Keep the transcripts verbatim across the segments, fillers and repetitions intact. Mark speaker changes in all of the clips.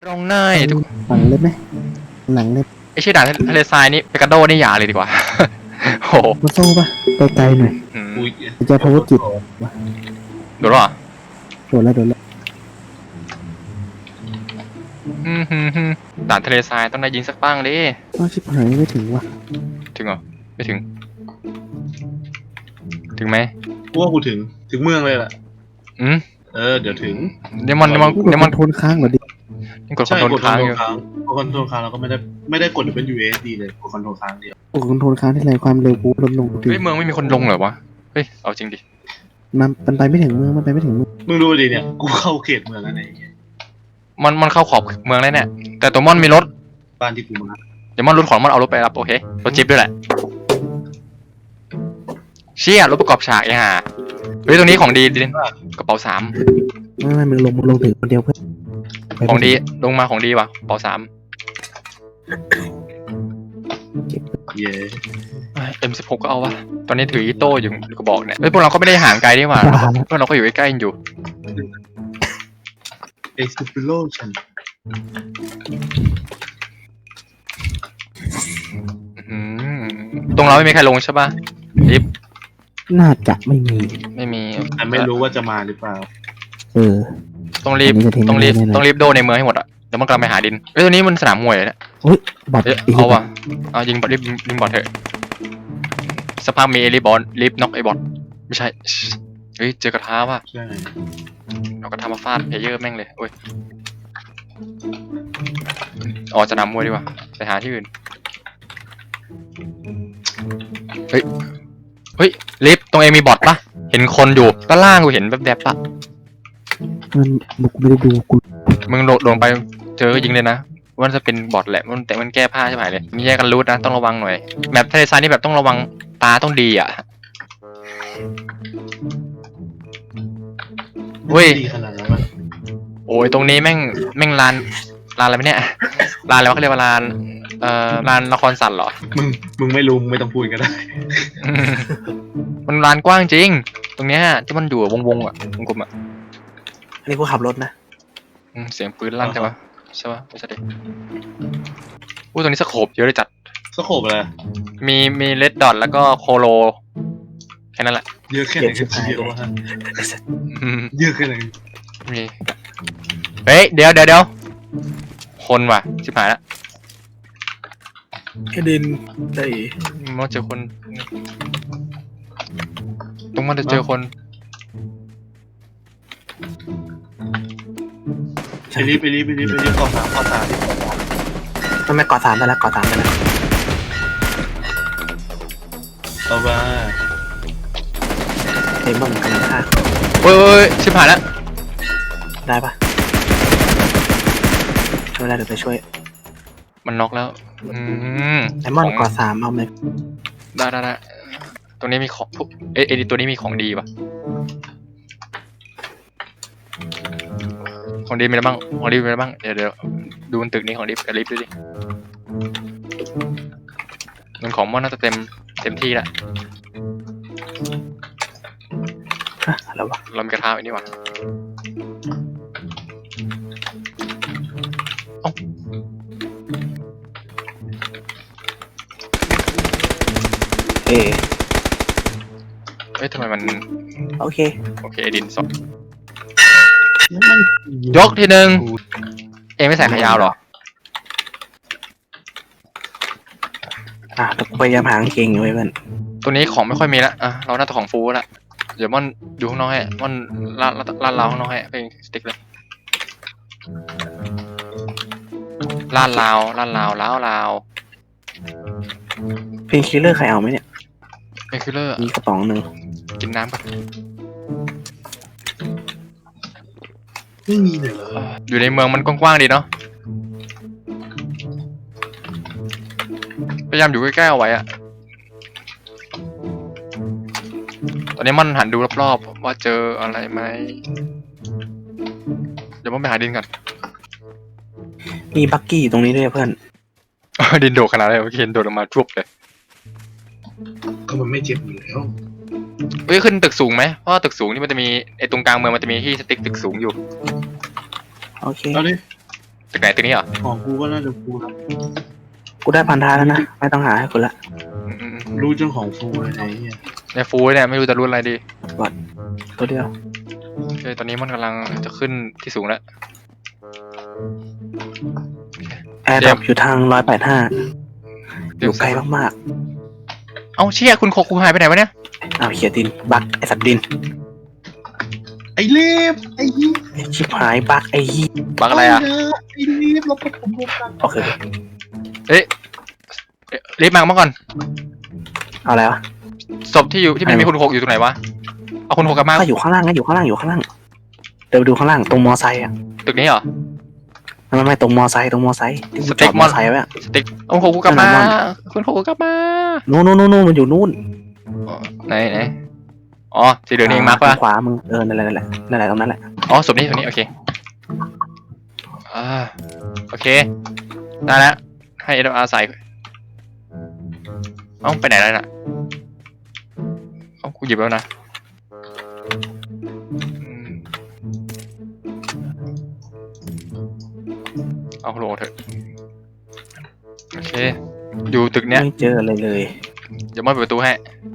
Speaker 1: ตรงหน้าทุก
Speaker 2: หนังเล็บไหมหนังเล็บ
Speaker 1: ไอชื่อด่านทะเลทรายนี่เปกาโดนี่อย่าเลยดีกว่า โห
Speaker 2: มาโซ่ปะไกลๆหน่อย
Speaker 1: อืม
Speaker 3: อุ้ย
Speaker 2: จะพาวเวอร์จิต
Speaker 1: โดนหรอ
Speaker 2: โดนแล้วโดนแล้ว
Speaker 1: อืมฮึมฮึมด่านทะเลทรายต้องได้ยิงสักบ้างดิ
Speaker 2: อ้าวชิบหายไม่ถึงว่ะ
Speaker 1: ถึงเหรอไม่ถึง ถึงไหม
Speaker 3: กูว่ากูถึงถึงเมืองเลยล่ะ
Speaker 1: อืม
Speaker 3: เออเดี๋ยวถึง
Speaker 1: เดี๋ยวมันเดี๋ยวมัน
Speaker 2: กด
Speaker 1: เดี๋ยว
Speaker 2: ค
Speaker 1: มั
Speaker 2: อน นโทรลค้างเหรอดิ
Speaker 1: กดคอ
Speaker 3: ใช่
Speaker 1: นโทรล
Speaker 3: กดคอ
Speaker 1: ค้าน ง
Speaker 3: โทร
Speaker 1: อยู่
Speaker 3: ลค้างกดคอนโทรลค้างเราก็ไม่ได้ไม่ได้กดเป็น ยู เอส ดี เลยกดคอนโทรลค้างเดียว
Speaker 2: กดคอนโทรลค้างที่ไรความเร็วกูลดลงดิ
Speaker 1: เฮ้ยเมืองไม่มีคนลงเหรอวะเฮ้ยเอาจริงดิ
Speaker 2: มันมันไปไม่ถึงเมืองมันไปไม่ถึงเมือง
Speaker 3: มึงดูดิเนี่ยกูเข้าเขตเมืองแล้วเนี่ยไอ้เหี้ย
Speaker 1: มันมันเข้าขอบเมืองแล้วเนี่ยแต่ตัวมอนมีรถ
Speaker 3: บ้านที่กูมา
Speaker 1: เดี๋ยวมอนรถของมอนเอารถไปรับโอเครถจิ๊บด้วยแหละเชี่ยรถประกอบฉากไอ้ห่าเฮ้ยตรงนี้ของดีดิกระเป๋าสาม
Speaker 2: ไม่ไม่มึงลงมึงลงถึงคนเดียวเพื่อนไป
Speaker 1: ของดีลงมาของดีว่ะกระเป๋าสาม
Speaker 3: เย้
Speaker 1: เอ็มสิบหกก็เอาวะตอนนี้ถืออีโต้อยู่กระบอกเนี่ยเฮ้ยพวกเราก็ไม่ได้ห่างไกลนี่หว่าพวกเราก็อยู่ใกล้ๆกันอยู่
Speaker 3: เอ็กซ์ติโลชัน
Speaker 1: อืมตรงเราไม่มีใครลงใช่ป่ะลิฟต์
Speaker 2: น่าจะไม่มี
Speaker 1: ไม่มี
Speaker 3: แต่ไม่รู้ว่าจะมาหรือเปล่า
Speaker 2: เออ
Speaker 1: ต้องรีบ
Speaker 2: อันนี้จะทิ้ง
Speaker 1: ต้องรีบ
Speaker 2: ไว้แน่ๆ
Speaker 1: ต้องรีบโดนในเมืองให้หมดอ่ะเดี๋ยวมันกำลังไปหาดินเฮ้ยตัวนี้มันสนามมวยเลยเนี่ย
Speaker 2: เฮ้ยบอด
Speaker 1: เอ้ย
Speaker 2: อีก
Speaker 1: เอาว่ะเอายิงบอลรีบยิงบอลเถอะสภาพมีรีบบอลรีบน็อกไอ้บอลไม่ใช่เฮ้ยเจอกระทะว่ะ
Speaker 3: ใช่
Speaker 1: เราก็ทำมาฟาดเพลเยอร์แม่งเลยโอ้ยออกจะนำมวยดีกว่าไปหาที่อื่นเฮ้ยเฮ้ยลิฟต์ตรงเองมีบอทปะเห็นคนอยู่ด้านล่างกูเห็นแบบๆปะ
Speaker 2: มันบุกไม่ได้ดูกู
Speaker 1: มึงโดดลงไปเจอก็ยิงเลยนะว่าจะเป็นบอทแหละมันแต่มันแก้ผ้าใช่ไหมเลยมีแยกกันรูทนะต้องระวังหน่อยแบบทะเลทรายนี่แบบต้องระวังตาต้องดีอ่ะเว้ย
Speaker 3: ดีขนาดนั้นวะ
Speaker 1: โอ้ยตรงนี้แม่งแม่งลานลานอะไรไม่เนี่ยลานอะไรวะเขาเรียกว่าลานเอ่อลานละครสัตว์เหรอ
Speaker 3: มึงมึงไม่รู้มึงไม่ต้องพูดก็ได้
Speaker 1: อืมมันลานกว้างจริง ตรงเนี้ยที่มันอยู่วงวงๆอ่ะวงกลมอ่ะ
Speaker 2: อันนี้กูขับรถนะ
Speaker 1: อืมเสียงปืนลั่นใช่ปะใช่ปะไม่ใช่ดิอู้ตรงนี้สโคปเยอะเลยจัด
Speaker 3: สโคปอะไร
Speaker 1: มีมีเลดดอทแล้วก็โคโลแค่นั้นแหละ
Speaker 3: เยอะแค่ไหนกันเชียววะ
Speaker 1: อืม
Speaker 3: เยอะแค่ไหน
Speaker 1: มีเฮ้ยเดี๋ยวเดี๋ยวเดี๋ยวคนว่ะชิบหายละ
Speaker 2: แค่ดินได้
Speaker 1: มันเจอคนตรงมันจะเจอคน
Speaker 3: ไปรีบไปรีบไปรีบไปรีบกองสามกองสาม
Speaker 2: มันไม่ก่อสามไปแล้วก่อสามไปแล้ว
Speaker 3: เอาว่า
Speaker 2: เต็มบ้างกันฆ่า
Speaker 1: เฮ้ยเฮ้ยชิบหายละ
Speaker 2: ได้ปะช่วยได้เดี๋ยวไปช่วย
Speaker 1: มันน็อกแล้วอืม
Speaker 2: ไอมอนก่อสามเอาไหม
Speaker 1: ได้ได้ได้ตรงนี้มีของพวกเอ้ยเอ้ยตัวนี้มีของดีปะของดีมีอะไรบ้างของดีมีอะไรบ้างเดี๋ยวเดี๋ยวดูบนตึกนี้ของดีกับลิฟต์ดูดิเงินของมันน่าจะเต็มเต็มที่ละ
Speaker 2: ฮะอะไรวะ
Speaker 1: เรามีกระทะไว้นี่หว่าเอ้า
Speaker 2: เอ
Speaker 1: เอ้ยทำไมมัน
Speaker 2: โอเค
Speaker 1: โอเคดินสดยกทีหนึ่งเองไม่ใส่ขายาวเหรอ
Speaker 2: อ่ะแต่กูพยายามหากางเกงอยู่ไว้เพื่อน
Speaker 1: ตัวนี้ของไม่ค่อยมีละอ่ะเราน่าจะของฟูละเดี๋ยวมันอยู่ข้างนอกให้มันลาดลาดลาวข้างนอกให้เป็นสติ๊กเลยลาดลาวลาดลาวล้าวลาว
Speaker 2: เพนคิลเลอร์ใครเอาไหมเนี่ย
Speaker 1: เป็นคิลเลอร์
Speaker 2: มีกระป๋องหนึ่ง
Speaker 1: กินน้ำก่อน
Speaker 3: ไม่มีเลยเหรอ
Speaker 1: อยู่ในเมืองมันกว้างๆดีเนาะพยายามอยู่ใกล้ๆเอาไว้อะตอนนี้มันหันดูรอบๆว่าเจออะไรไหมเดี๋ยวมันไปหาดินก่อน
Speaker 2: มีบักกี้อยู่ตรงนี้ด้วยเพื่อน
Speaker 1: ดินโดดขนาดไหนวะเคนโดดออกมาจุบเลย
Speaker 3: ก็มันไม่เจ็บอยู่แล้ว
Speaker 1: เฮ้ยขึ้นตึกสูงไหมเพราะว่าตึกสูงนี่มันจะมีไอ้ตรงกลางเมืองมันจะมีที่สติ๊กตึกสูงอยู่
Speaker 2: โอเค
Speaker 3: เอาดิ
Speaker 1: ตึกไหนตึกนี้เหรอ
Speaker 3: ของกูก็น่าจะฟูนะ
Speaker 2: กูได้พันธาแล้วนะไม่ต้องหาให้กูละ
Speaker 1: อืมอืมอืม
Speaker 3: รู้เจ้าของฟูเลยไอ้เหี้ย
Speaker 1: เนี่ยฟูเนี่ยไม่รู้จะรุ่นอะไรดี
Speaker 2: ตัวเดียว
Speaker 1: โอเคตอนนี้มันกำลังจะขึ้นที่สูงแล้ว
Speaker 2: แอร์ดรอปอยู่ทางร้อยแปดห้าอยู่ไกลมาก
Speaker 1: เอ้าเชี่ยคุณโคกูหายไปไหนวะเนี่ย
Speaker 2: ๆอ้าวเขียดินบักไอสัตว์ดิน
Speaker 3: ไอ้เล็บไอ้ยี่
Speaker 2: ไอ้ชิบหายบักไอ้ยี่
Speaker 1: บักอะไรอ่ะ
Speaker 3: ไอ้เล็บเราไปผมรวมกัน
Speaker 2: โอเค
Speaker 1: เอ๊ะรีบมาเมื่อก่อน
Speaker 2: เอาอะไรวะ
Speaker 1: ศพที่อยู่ที่มันมีคุณโคกอยู่ตรงไหนวะเอาคุณโคกกลับมา
Speaker 2: ก็อยู่ข้างล่างไงอยู่ข้างล่างอยู่ข้างล่างเดินไปดูข้างล่างตรงมอไซค์อ่ะ
Speaker 1: ตึกนี้เหรอ
Speaker 2: ไม่ไม่ตรงมอไซค์ตรงมอไซค์ที่กู
Speaker 1: ส
Speaker 2: จ
Speaker 1: เต็
Speaker 2: อก ด
Speaker 1: ม
Speaker 2: ม
Speaker 1: อ
Speaker 2: อน ไซค์ไว้อะ
Speaker 1: สติ๊กเอาคุณโคกกูกลับมา
Speaker 2: นั่นน่ะ
Speaker 1: คุณโคกกูกลับมา
Speaker 2: นู่นนู่นนู่นนู่นมันอยู่นู่น
Speaker 1: อ๋อไหนไหนอ๋อสีเหลืองนี่เองมาร์ก
Speaker 2: ท
Speaker 1: ปะ
Speaker 2: งขวามึงเออนั่นแหละนั่นแหละนั่นแหละตรงนั้นแหละ
Speaker 1: อ๋อศพนี้ศพนี้โอเคอ่าโอเคได้แล้วให้เอ็ดอาร์ใส่เอ้าไปไหนแล้วน่ะเอ้ากูหยิบแล้วนะอืมเอาโหลเถอะโอเคอยู่ตึกเนี้ย
Speaker 2: ไม่เจออะไรเลย
Speaker 1: เดี๋ยวมอนเปิดประตูให้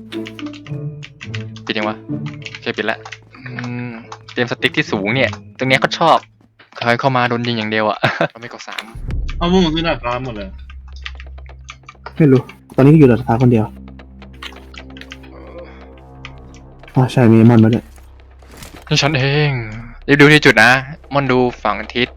Speaker 1: ปิดยังวะโอเคปิดแล้วอืมเตรียมสติ๊กที่สูงเนี่ย ตรงเนี้ยก็ชอบใครเข้ามาโดนยิงอย่างเดียวอะ เราไม่กดสาม
Speaker 3: เอาพวกมึงขึ้นดาดฟ้าหมดเลย
Speaker 2: ไม่รู้ตอนนี้อยู่ดาดฟ้าคนเดียวอ๋อใช่มีมอนมาด้วย
Speaker 1: นี่ฉันเองรีบดูที่จุดนะมอนดูฝั่งทิศ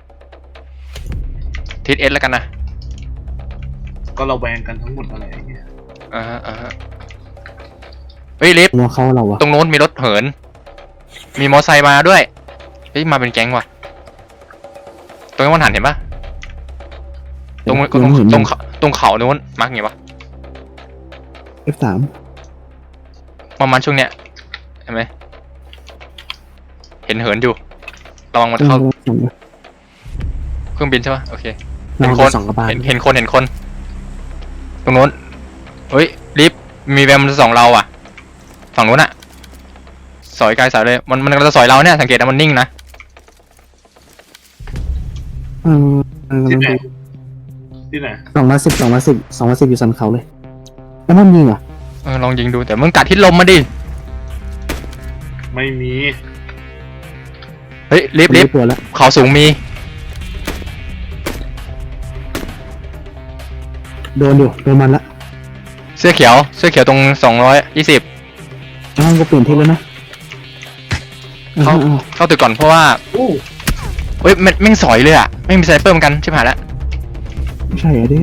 Speaker 1: ทิศเอสแล้วกันนะ
Speaker 3: ก็เราแวงกันทั้งหมดอะไรอย่างเงี้ย
Speaker 1: อ่าฮะอ่าฮะเฮ้ยลิฟต์
Speaker 2: ว่าเขาเราอะ
Speaker 1: ตรงโน้นมีรถเหิน มีมอไซค์มาด้วยเฮ้ยมาเป็นแก๊งว่ะตรงนี้มันหันเห็นปะตรงตรงตรงเขาตรงเขาโน้นมาร์กไงวะ
Speaker 2: เอฟสาม
Speaker 1: ประมาณช่วงเนี้ยเห็นไหมเห็นเหินอยู่ระวังมันเข้าเครื่องบินใช่ปะโอเคเห็นคน
Speaker 2: สองกระบาล
Speaker 1: เห็นเห็นคนเห็นคน ตรงโน้นเฮ้ยลิฟต์มีแวมมันจะส่องเราอ่ะฝั่งโน้นอ่ะสอยไกลสายเลยมันมันกำลังจะสอยเราเนี่ยสังเกตนะมันนิ่งนะ
Speaker 2: เออเออ
Speaker 3: ที่ไหนที่ไหน
Speaker 2: สองร้อยสิบสองร้อยสิบสองร้อยสิบอยู่สันเขาเลยแล้วมันยิงเหรอ
Speaker 1: เออลองยิงดูแต่มึงกัดทิศลมมาดิ
Speaker 3: ไม่มี
Speaker 1: เฮ้ยลิฟต์ลิฟต์
Speaker 2: ตัวแล้ว
Speaker 1: เขาสูงมี
Speaker 2: โดนอยู่โดนมันละ
Speaker 1: เสื้อเขียวเสื้อเขียวตรงสองร้อยยี่สิบ
Speaker 2: อ้าวก็เปลี่ยนที่แล้วนะ
Speaker 1: เข้า
Speaker 2: อ้าว
Speaker 1: เข้าตึกก่อนเพราะว่า
Speaker 3: โอ้
Speaker 1: เฮ้ยแม่งแม่งสอยเลยอ่ะแม่งมีไซเปอร์เหมือนกันชิบหายแล้ว
Speaker 2: ไม่ใช่เหรอดิ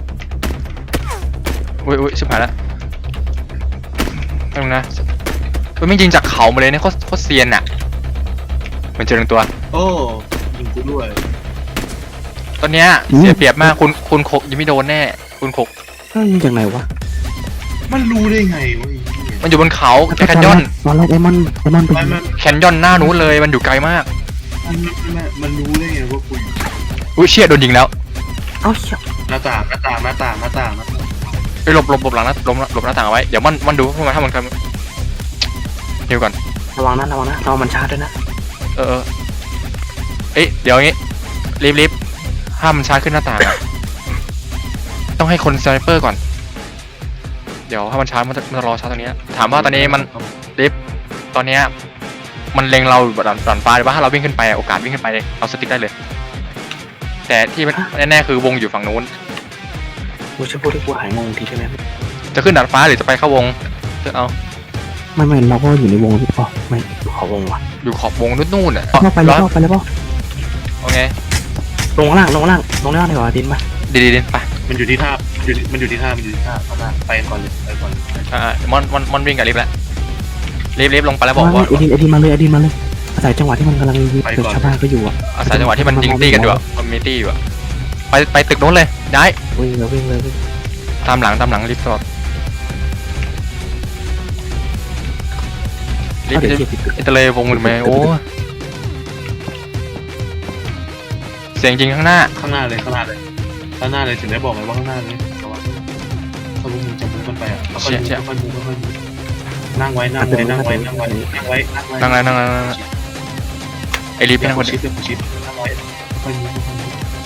Speaker 1: อุ้ยอุ้ยชิบหายแล้วตรงนะเฮ้ยแม่งยิงจากเขามาเลยเนี่ยโคตรโคตรเซียนอ่ะเหมันเจอหนึ่งตัว
Speaker 3: โอ้ยิงกูด้วย
Speaker 1: ตอนเนี้ยเสียเปรียบมากคุณคุณโคกยังไม่โดนแน่คุณโคก
Speaker 2: เฮ้ยยิงจากไหนวะ
Speaker 3: มันรู้ได้ไงวะไอ้เหี้ย
Speaker 1: มันอยู่บนเขาแคนยอน
Speaker 2: ตอนแรกไอ้มันไอ้มันไป
Speaker 3: มัน
Speaker 2: ยิง
Speaker 3: มัน
Speaker 1: แคนยอนหน้านู้นเลยมันอยู่ไกลมาก
Speaker 3: มันมันมันรู้ได้ไงว่ากูอยู่
Speaker 1: อุ้ยเชี่ยโดนยิงแล้ว
Speaker 2: เอ้าเหี้ย
Speaker 3: หน้าต่างหน้าต่างหน้าต่างหน้าต่างหน้าต่าง
Speaker 1: ไปหลบหลบหลบหลังนะหลบหลบหน้าต่างเอาไว้เดี๋ยวมันมันดูพวกมันถ้ามันกันฮิวก่อน
Speaker 2: ระวังนะระวังนะระวังมันชาร์จด้วยนะ
Speaker 1: เออเออเอ้ยเดี๋ยวงี้รีบรีบห้ามมันชาร์จขึ้นหน้าต่างอะต้องให้คนสไนเปอร์ก่อนเดี๋ยวถ้ามันชาร์จมันจะมันจะรอชาร์จตรงนี้ถามว่าตอนนี้มันรีบตอนเนี้ยมันเล็งเราแบบดันดันฟ้าหรือว่าถ้าเราวิ่งขึ้นไปอะโอกาสวิ่งขึ้นไปเราสติ๊กได้เลย แต่ที่มันแน่ๆคือวงอยู่ฝั่งนู้น
Speaker 2: กูจะพูดให้กูหายงงทีใช่ไหม
Speaker 1: จะขึ้นดาดฟ้าหรือจะไปเข้าวงเลือกเอา
Speaker 2: ไม่ไม่เราก็อยู่ในวงพี่ปอไม่ขอวงว่ะ
Speaker 1: อยู่ขอบวงนู่นๆอ่ะ
Speaker 2: เข้าไปเลยเข้าไปเลยป่ะ
Speaker 1: โอเค
Speaker 2: ลงข้างล่างลงข้างล่างลงข้างล่างดีกว่าดินมา
Speaker 1: ดีดีดีไป
Speaker 3: มันอยู่ที่ท่ามันอยู่มันอยู่ที่ท่ามันอยู่ที่ท่าเข้ามาไปก่อนเลยไปก่อนเลย
Speaker 1: อ่ามอนมอนมอนวิ่งกับลิฟต์แล้วลิฟต์ลิฟต์ลงไปแล้วบอกว่า
Speaker 2: ไอ้ดินไอ้ดินมาเลยไอ้ดินมาเลยอาศัยจังหวะที่มันกำลังยิงเกิดชาวบ้านก็อยู่อ่ะ
Speaker 1: อาศัยจังหวะที่มันยิงตีกันอยู่อะมันมีตีอยู่อะไปไปตึกนู้นเลยได้
Speaker 2: วิ่งเลยวิ่งเลยวิ่ง
Speaker 1: ตามหลังตามหลังลิฟต์ตลอดลิฟ
Speaker 2: เอา
Speaker 1: ต์
Speaker 2: เดี๋ยวเก็บอีก
Speaker 1: อิตาเลวงหรือไม่โอ้เสียงจริงข้างหน้า
Speaker 3: ข้างหน้าเลยข้างหน้าเลยข้างหน้าเลยถึงได้บอกไงว่าข้างหน้าเลยแต่ว่าถ้าพวกมึงจะมุดกันไปอ่ะค่อยๆค่อยๆมุดค่อยๆมุดนั่งไว้นั่งไว้นั่งไว้นั่งไว้นั่งไว้นั่งไว้
Speaker 1: นั่งเลยนั่งเลยนั่งเลยไอ้ลิฟต์
Speaker 3: เป็
Speaker 1: พี่
Speaker 3: น
Speaker 1: นั่ง
Speaker 3: ค
Speaker 1: คน น
Speaker 3: ชิ
Speaker 1: เดี
Speaker 3: ป
Speaker 1: ยว
Speaker 3: เป็นคนชิปนั่งไว้ค่อยๆมุดค่อยๆมุด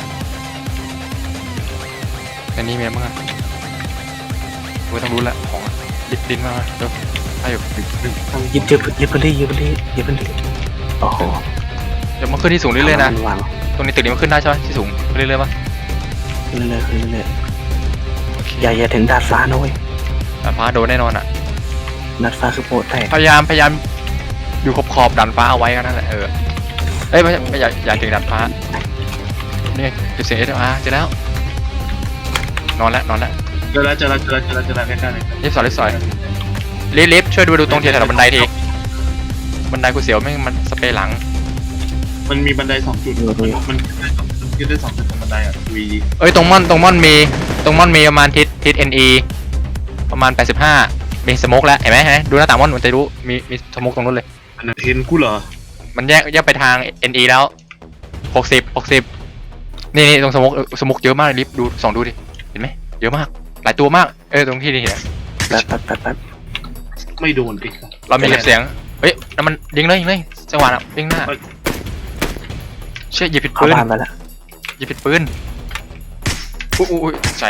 Speaker 1: อันนี้มีอะไรบ้างอะเว้ยต้องรู้ละของอะดิดินมาเดี๋ยวไปอยู่
Speaker 2: หยิบหยิบหยิบพื้นที่หยิบพื้นที่หยิบพื้นที่โอ้โห
Speaker 1: เดี๋ยวมันขึ้นที่สูงเรื่อยๆนะ
Speaker 2: วาง
Speaker 1: ตรงนี้ตึกนี้มันขึ้นได้ใช่ไหมที่สูงขึ้นเรื่อยๆป่ะ
Speaker 2: ขึ้นเรื่อยๆขึ้นเรื่อย
Speaker 1: โอเค
Speaker 2: ๆอย่าอย่าถึงดาดฟ้านะเว้ย
Speaker 1: ดาดฟ้าโดนแน่นอนอ่ะ
Speaker 2: ดาดฟ้าคือโปรแตก
Speaker 1: พยายามพยายามอยู่ขอบขอบๆดันฟ้าเอาไว้กันนั่นแหละเออเอ้ยไม่ใช่ไม่อยากอยากถึงดันฟ้านี่ไงเก็บเสียงเอสอาร์เจอแล้วนอนแล้วนอนแล้ว
Speaker 3: เจอแล้วเจอแล้วเจอแล้วเจอแล้วเจอแล้วใกล้ๆเลย
Speaker 1: รีบสอยรีบสอยรีบรีบช่วยดูดูตรงเทียนแถวบันไดทีบันไดกูเสียวไม่งมันสเปรย์หลัง
Speaker 3: มันมีบันไดสองจุดมันมันขึ้นได้สองจุดตรงบันไดอ่ะวี
Speaker 1: เอ้ยตรงม่อนตรงม่อนมีตรงม่อนมีประมาณทิศทิศเอ็นอีประมาณแปดสิบห้ามีสโมกแล้วเห็นไหมเห็นไหมดูหน้าต่างม่อนมันจะรู้มีมีสโมกตรงนู้นเลย
Speaker 3: อันนั้นเห็นกูเหรอ
Speaker 1: มันแยกแยกไปทาง เอ็น อี แล้วหกสิบ หกสิบนี่นี่ตรงสโมกสโมกเยอะมากลิฟต์ดูส่องดูดิเห็นไหมเยอะมากหลายตัวมากเออตรงที่นี่เห็น
Speaker 2: แป๊บแป๊บแป๊บแป๊บ
Speaker 3: ไม่โดนดิ
Speaker 1: เรามีเก็บเสียงเฮ้ยนั่นมันยิงเลยยิงเลยจังหวะน่ะยิงหน้าเชี่ยหยิบผิด
Speaker 2: เข้า
Speaker 1: ปืน
Speaker 2: บ้านไปแล้ว
Speaker 1: หยิบผิดปืนอุ้ยอุ้ยใจ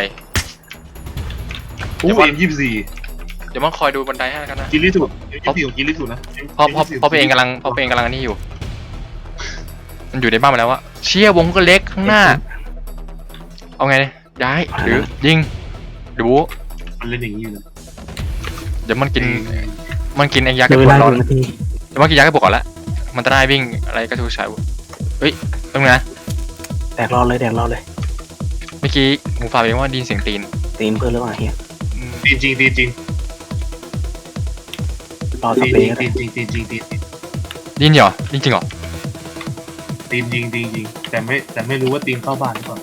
Speaker 3: อู้เอ็มยี่สิบสี่
Speaker 1: เดี๋ยวมันคอยดูบันไดให้แล้วกันนะ
Speaker 3: กินลิสุดยี่สิบสี่ของกินลิสุดนะ
Speaker 1: เพราะเพราะเพราะเพราะเองกำลังเพราะเองกำลังนี่อยู่ มันอยู่ในบ้านมาแล้ววะเชี่ยวงก็เล็กข้างหน้า เอาไงย้ายหรือยิงดู
Speaker 3: มันเล่นอย่างนี้อยู่นะ
Speaker 1: เดี๋ยวมันกินมันกินไอ้ยา
Speaker 2: เหลื
Speaker 1: ก
Speaker 2: อ
Speaker 1: ระ
Speaker 2: เว
Speaker 1: ปุก
Speaker 2: ลาห
Speaker 1: ร้อน
Speaker 2: นึ่งนาที
Speaker 1: เดี๋ยวมันกินยากระปุกก่อนละมันจะได้วิ่งอะไรกระทู้ชายเฮ้ยตรงนี้นะ
Speaker 2: แดกรอเลยแดกรอเลย
Speaker 1: เมื่อกี้หมูฝาเองว่าไดยินเสียงตีน
Speaker 2: ตีนเพื่อนหรือเปล่าเฮีย
Speaker 1: อืม
Speaker 3: จริงจริงจริง
Speaker 2: รอส
Speaker 3: จริง
Speaker 2: เปรย์ก็
Speaker 3: จ
Speaker 2: ได้
Speaker 3: ริงจริงจริงจริง
Speaker 1: ได้ยินเหรอได้ยินจริงเหรอ
Speaker 3: จริงจริงจริงจริงแต่ไม่แต่ไม่รู้ว่าตีมเข้าบ้านหรือเปล่า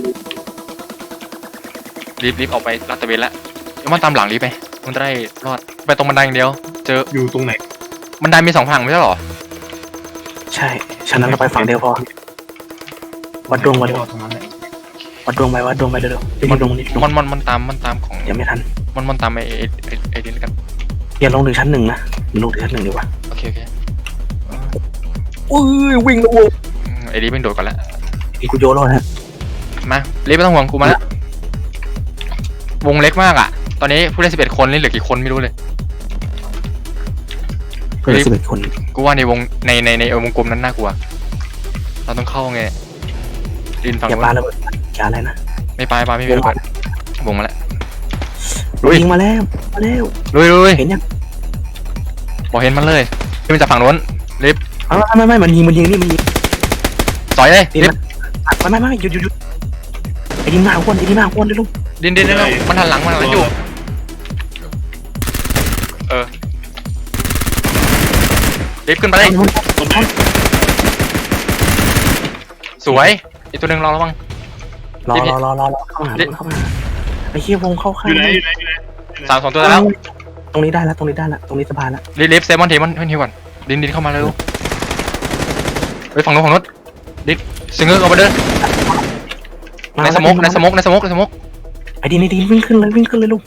Speaker 1: รีบรีบออกไปลาดตระเวนละเดี๋ยวมันตามหลังรีบไปมันจะได้รอดไปตรงบันไดอย่างเดียว เจอ
Speaker 3: อยู่ตรงไหน
Speaker 1: บันไดมีสองฝั่งไม่ใช่เหรอ
Speaker 2: ใช่ฉะนั้นเราไปฝั่งเดียวพอวัดดวงวัดดวง
Speaker 3: ตรงนั้นแหละ
Speaker 2: วัดดวงไปวัดดวงไปเร็วๆไปดวงนี่ดวง
Speaker 1: มันมันมันตามมันตามของ
Speaker 2: ยังไม่ทัน
Speaker 1: มันมันตามไอ้ไอ้ไอ้ไอ้ดินกัน
Speaker 2: อย่าลงถึงชั้นหนึ่งนะลงถึงชั้นหนึ่งดีกว่า
Speaker 1: โอเคโอเค
Speaker 2: อุ้ยวิ่งแล้วโว้ย
Speaker 1: อืมไอ้ดิเป็นโดดก่อนละ
Speaker 2: อีกูโยนแล้วฮะ
Speaker 1: มารีบไม่ต้องห่วงกูมาละวงเล็กมากอ่ะ ตอนนี้ผู้เล่นสิบเอ็ดคนนี่เหลือกี่คนไม่รู้เลย
Speaker 2: เพื่อนสิบเอ็ดคน
Speaker 1: กูว่าในวงในในในวงกลมนั้นน่ากลัว เราต้องเข้าไงดินฝั่ง
Speaker 2: อย่า
Speaker 1: นู้
Speaker 2: ปาน ระเบิดอย่าอะไรนะ
Speaker 1: ไม่ไปไปไม่มีระเบิดวงมาแล้ว
Speaker 2: ยิงมาแล้วมาแล้ว
Speaker 1: ลุยลุย
Speaker 2: เห็นยัง
Speaker 1: บอกเห็นมันเลยที่มันจากฝั่งนู้นรีบ
Speaker 2: ไม่ไม่ไม่มันยิงมันยิงนี่มันยิง
Speaker 1: สอยเลย
Speaker 2: ดิน
Speaker 1: รีบ
Speaker 2: มันไม่ไม่ไม่หยุดหยุดหยุดไอ้ดินมาอ้วนไอ้ดินมาอ้วนเลยลูก
Speaker 1: ดินดินดินมันหันหลังมันหันหลังอยู่เออรีบขึ้นไปเลย
Speaker 3: ตรงนั้น
Speaker 1: สวยอีกตัวหนึ่งรอระวัง
Speaker 2: รอรอรอรอรอเข้ามาเข้ามาไอ้เชี่ยวงเข้าข้าง
Speaker 3: อยู่ไหนอยู่ไหนอยู่ไหน
Speaker 1: สามสองตัวแล้ว
Speaker 2: ตรงนี้ได้แล้วตรงนี้ได้แล้วตรงนี้สบายแล้ว
Speaker 1: รีบรีบเซฟมอนเทมอนเฮ้ยก่อนดินดินเข้ามาเลยลูกเฮ้ยฝั่งนู้นฝั่งนู้นดินซิงเกิลเอาไปเดินในสมกในสมกในสมกในสมก
Speaker 2: ไอ้ดินไอ้ดินวิ่งขึ้นเลยวิ่งขึ้นเลยลูก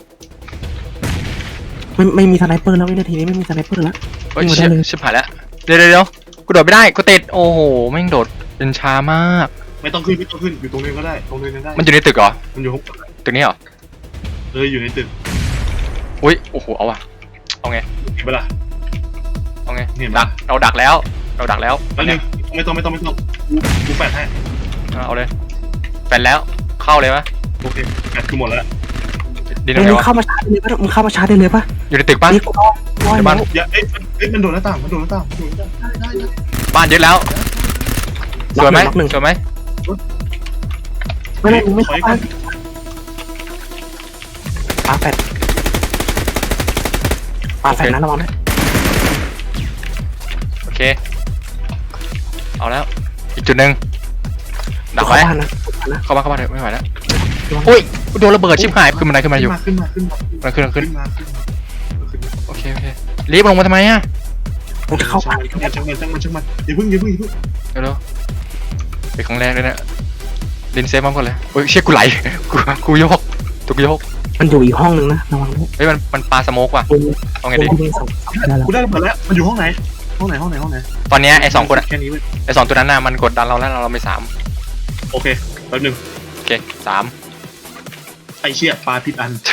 Speaker 2: ไม่ไม่มีสไนเปอร์แล้ววินาทีนี้ไม่มีสไนเปอร์แล้ว
Speaker 1: เฮ้ยชิบชิบหายแล้วเดี๋ยวเดี๋ยวเดี๋ยวกูโดดไม่ได้กูติดโอ้โหแม่งโดดเป็นช้ามาก
Speaker 3: ไม่ต้องขึ้นไม่ต้องขึ้นอยู่ตรงนี้ก็ได้ตรงนี้ก็ได้
Speaker 1: มันอยู่ในตึกเหรอ
Speaker 3: มันอยู่ห้อง
Speaker 1: ตึกนี้เหรอ
Speaker 3: เอออยู่ในตึก
Speaker 1: อุ้ยโอ้โหเอาว่ะเอาไง
Speaker 3: เห็นปะล่ะ
Speaker 1: เอาไง
Speaker 3: เห็น
Speaker 1: ดั
Speaker 3: ปะ
Speaker 1: กเราดักแล้ว เราดักแล้ว
Speaker 3: แล้วนึงไม่ต้องไม่ต้องไม่ต้องกูกูแปดให้
Speaker 1: เอาเลยแฟนแล้วเข้าเลยปะ
Speaker 3: โอเคแปดคือหมดแล้ว
Speaker 1: ดิน
Speaker 2: มึ
Speaker 1: ตรงไหน
Speaker 2: ง
Speaker 1: วะ
Speaker 2: เข้ามาชาร์จได้เลยปะมึงเข้ามาชาร์จได้เลยปะ
Speaker 1: อยู่ในตึกปะ
Speaker 2: นี่กูรอรอ
Speaker 1: ในบ้าน
Speaker 3: อย่าเอ้ยเอ้ยมันโดนหน้าต่างมันโดนหน้าต่างมันโดนหน้าต่างได้ได้ได้
Speaker 1: บ้านยึดแล้วสวยไหม
Speaker 2: หนึ่ง
Speaker 1: สวยไหม
Speaker 2: ไม่ไม่มึงไม่เข้าบ้านปาแฟดปาแฟดนะระวังนะ
Speaker 1: โอเคเอาแล้วอีกจุดหนึ่งดัก
Speaker 2: เข้า
Speaker 1: ไว้
Speaker 2: บ้านนะ
Speaker 1: เข้ามาเข้ามาเถอะไม่ไหวแล้วอุ้ยโดนระเบิดชิบหายขึ้นมาไหนขึ้นมาอยู่
Speaker 3: ขึ้นมาขึ้นมา
Speaker 1: มันขึ้นมันขึ้น
Speaker 3: ขึ้นมาขึ้นมาขึ้นมา
Speaker 1: โอเคโอเครีบลงมาทำไมอ่ะ
Speaker 2: มึงจะเข้าบ้าน
Speaker 3: ช่างมันช่างมันช่างมันช่างมันอย่าเพิ่งอย่าเพิ่งอย่าเพิ่ง
Speaker 1: เร็วๆเป็นครั้งแรกเลยเนี่ยดินเซฟมันก่อนเลยโอ้ยเชี่ยกูไหลกูกูโยกตัวกูโยก
Speaker 2: มันอยู่อีกห้องนึงนะระวังด้วย
Speaker 1: เฮ้ยมันมันปาสโมกว่ะเอาไงดี
Speaker 2: มึงสองได้แล้ว
Speaker 3: กูได้ระเบิดแล้วมันอยู่ห้องไหนห้องไหนห้องไหนห้องไหน
Speaker 1: ตอนเนี้ยไอ้สองคนอะ
Speaker 3: แค่นี้เว้ย
Speaker 1: ไอ้สองตัวนั้นน่ะมันกดดันเราแล้วเราไม่สาม
Speaker 3: โอเคแป๊บนึง
Speaker 1: โอเคสาม
Speaker 3: ไอเชี่ยปลาผิดอัน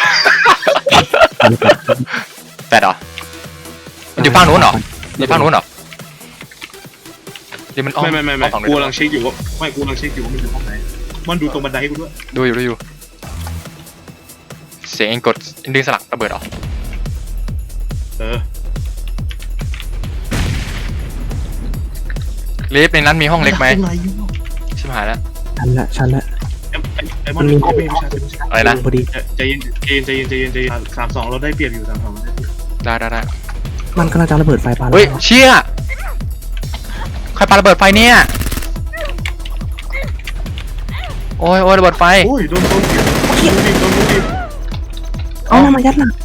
Speaker 1: แปดเหรอมันอยู่ฝั่งนู้นเหรออยู่ฝั่งนู้นเหรอเดี๋ยวมันอ้อม
Speaker 3: ไม่ไม่ไม่ไม่
Speaker 1: อ้อฝั่ง
Speaker 3: กู
Speaker 1: นู้น
Speaker 3: กำลังเช็คอยู่ว่าไม่กูกำลังเช็คอยู่ว่ามันอยู่ห้องไหนมันดูตรงบันไดให้กูด้วย
Speaker 1: ดูอยู่ดูอยู่เสียงเองกดดึงสลักระเบิดเหรอ
Speaker 3: เออ
Speaker 1: ลิฟต์ในนั้นมีห้องเล็กไหม
Speaker 3: ตรงไหนอยู่
Speaker 1: ชิบหายแล้ว
Speaker 2: ชันละชันละ
Speaker 3: ไอ้ไอ้ไอ้มันมีไม่ไม่ใช่ไม่ใช่
Speaker 1: อะไรนะ
Speaker 2: พอดี
Speaker 3: ใจเย็นใจเย็นใจเย็นใจเย็นใจเย็นสามสองเราได้เปรียบอยู่สามสองเราได้เปรียบ
Speaker 1: ได้ได้ได้
Speaker 2: มันกำลังจะระเบิดไฟปา
Speaker 1: เฮ้ยเชี่ยใครปาระเบิดไฟเนี่ยโอ้ยโอ้ยระเบิดไฟ
Speaker 3: โอ้ยโดนโดนเก็บโดนดิโดนดิ
Speaker 2: เอามายัดหลัง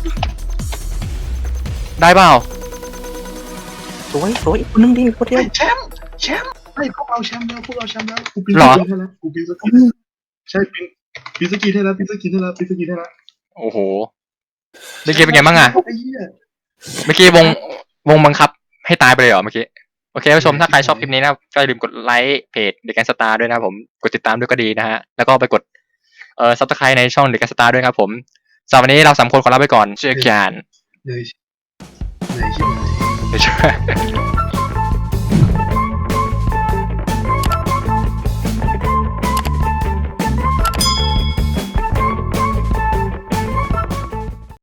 Speaker 1: ได้เปล่า
Speaker 2: สวยสวยอีกคนนึงดิคนเดียว
Speaker 3: แชมป์แชมป์ไอ้พวกเราแชมป์แล้วพวกเราแชมป์แล้วกูปีนสกีให้แล้วกูปีนสกีใช่ปีนปีนสกีให้แล้วปีนสกีให้แล้วปีนสกีให้แล้ว
Speaker 1: โอ้โหเมื่อกี้เป็นไงบ้างอะ
Speaker 3: ไอ้เหี้ย
Speaker 1: เมื่อกี้วงวงบังคับให้ตายไปเลยเหรอเมื่อกี้โอเคผู้ชมถ้าใครชอบคลิปนี้นะครับก็อย่าลืมกดไลค์เพจเด็กแกนสตาร์ด้วยนะครับผมกดติดตามด้วยก็ดีนะฮะแล้วก็ไปกดเอ่อซับสไครต์ในช่องเด็กแกนสตาร์ด้วยครับผมสำหรับวันนี้เราสามคนขอลาไปก่อนเชื่อกัน
Speaker 3: เหนื่อยเหนื่อยใช่ไหม
Speaker 1: เดี๋ยวช่วย